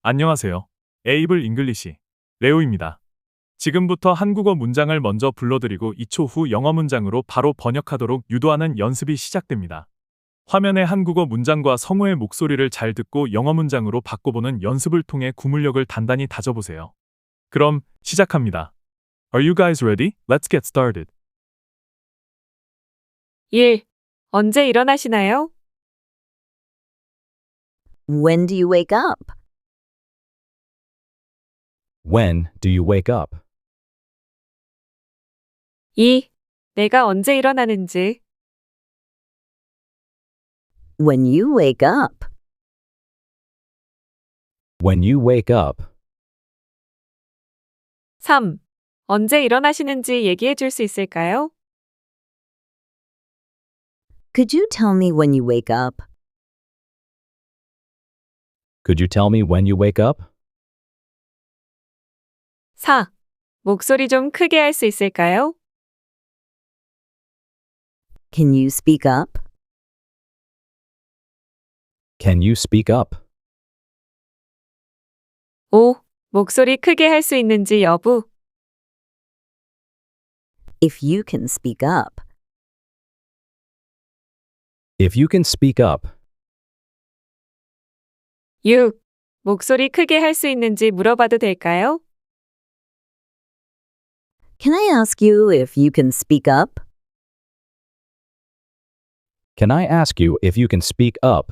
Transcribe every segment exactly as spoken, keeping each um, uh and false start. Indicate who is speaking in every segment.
Speaker 1: 안녕하세요. 에이블 잉글리시 레오입니다. 지금부터 한국어 문장을 먼저 불러드리고 이 초 후 영어 문장으로 바로 번역하도록 유도하는 연습이 시작됩니다. 화면의 한국어 문장과 성우의 목소리를 잘 듣고 영어 문장으로 바꿔보는 연습을 통해 구문력을 단단히 다져보세요. 그럼 시작합니다. Are you guys ready? Let's get started.
Speaker 2: 일. 언제 일어나시나요?
Speaker 3: When do you wake up?
Speaker 4: When do you wake up?
Speaker 2: 이. 내가 언제 일어나는지.
Speaker 3: When you wake up.
Speaker 4: When you wake up.
Speaker 2: 삼. 언제 일어나시는지 얘기해 줄 수 있을까요?
Speaker 3: Could you tell me when you wake up?
Speaker 4: Could you tell me when you wake up?
Speaker 2: 사. 목소리 좀 크게 할 수 있을까요?
Speaker 3: Can you speak up?
Speaker 4: Can you speak up?
Speaker 2: 오. 목소리 크게 할 수 있는지 여부.
Speaker 3: If you can speak up.
Speaker 4: If you can speak up.
Speaker 2: 육. 목소리 크게 할 수 있는지 물어봐도 될까요?
Speaker 3: Can I ask you if you can speak up?
Speaker 4: Can I ask you if you can speak up?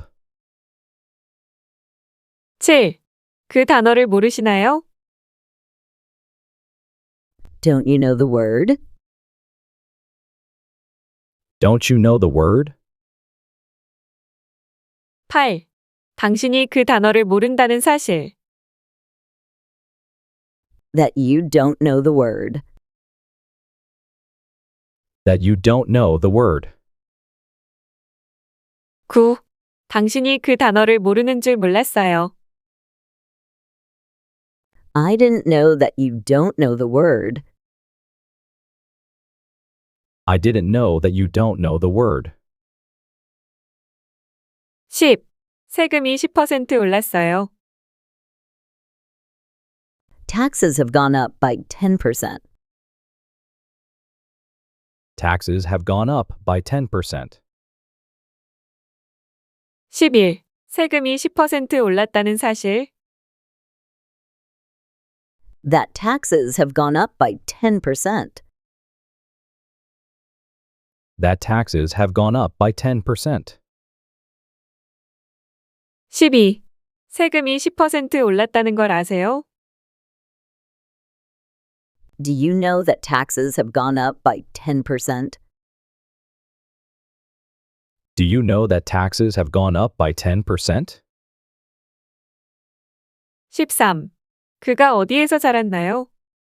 Speaker 2: 칠. 그 단어를 모르시나요?
Speaker 3: Don't you know the word?
Speaker 4: Don't you know the word?
Speaker 2: 팔. 당신이 그 단어를 모른다는 사실.
Speaker 3: That you don't know the word.
Speaker 4: That you don't know the word.
Speaker 2: 구. 당신이 그 단어를 모르는 줄 몰랐어요.
Speaker 3: I didn't know that you don't know the word.
Speaker 4: I didn't know that you don't know the word.
Speaker 2: 십. 세금이 십 퍼센트 올랐어요.
Speaker 3: Taxes have gone up by ten percent.
Speaker 4: Taxes have gone up by ten percent.
Speaker 2: 십일. 세금이 십 퍼센트 올랐다는 사실.
Speaker 3: That taxes have gone up by ten percent.
Speaker 4: That taxes have gone up by ten percent.
Speaker 2: 십이. 세금이 십 퍼센트 올랐다는 걸 아세요?
Speaker 3: Do you know that taxes have gone up by ten percent?
Speaker 4: Do you know that taxes have gone up by ten percent?
Speaker 2: 십삼. 그가 어디에서 자랐나요?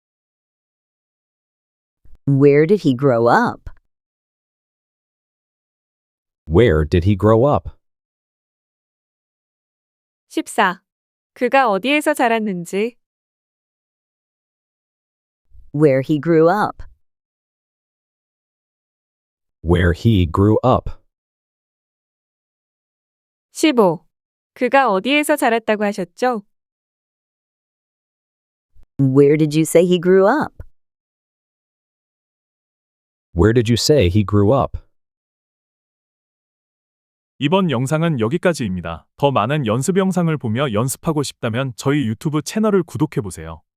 Speaker 3: Where did he grow up?
Speaker 4: Where did he grow up?
Speaker 2: 십사. 그가 어디에서 자랐는지.
Speaker 3: Where he grew up.
Speaker 4: Where he grew up.
Speaker 2: 십오. 그가 어디에서 자랐다고 하셨죠?
Speaker 3: Where did you say he grew up?
Speaker 4: Where did you say he grew up?
Speaker 1: 이번 영상은 여기까지입니다. 더 많은 연습 영상을 보며 연습하고 싶다면 저희 유튜브 채널을 구독해보세요.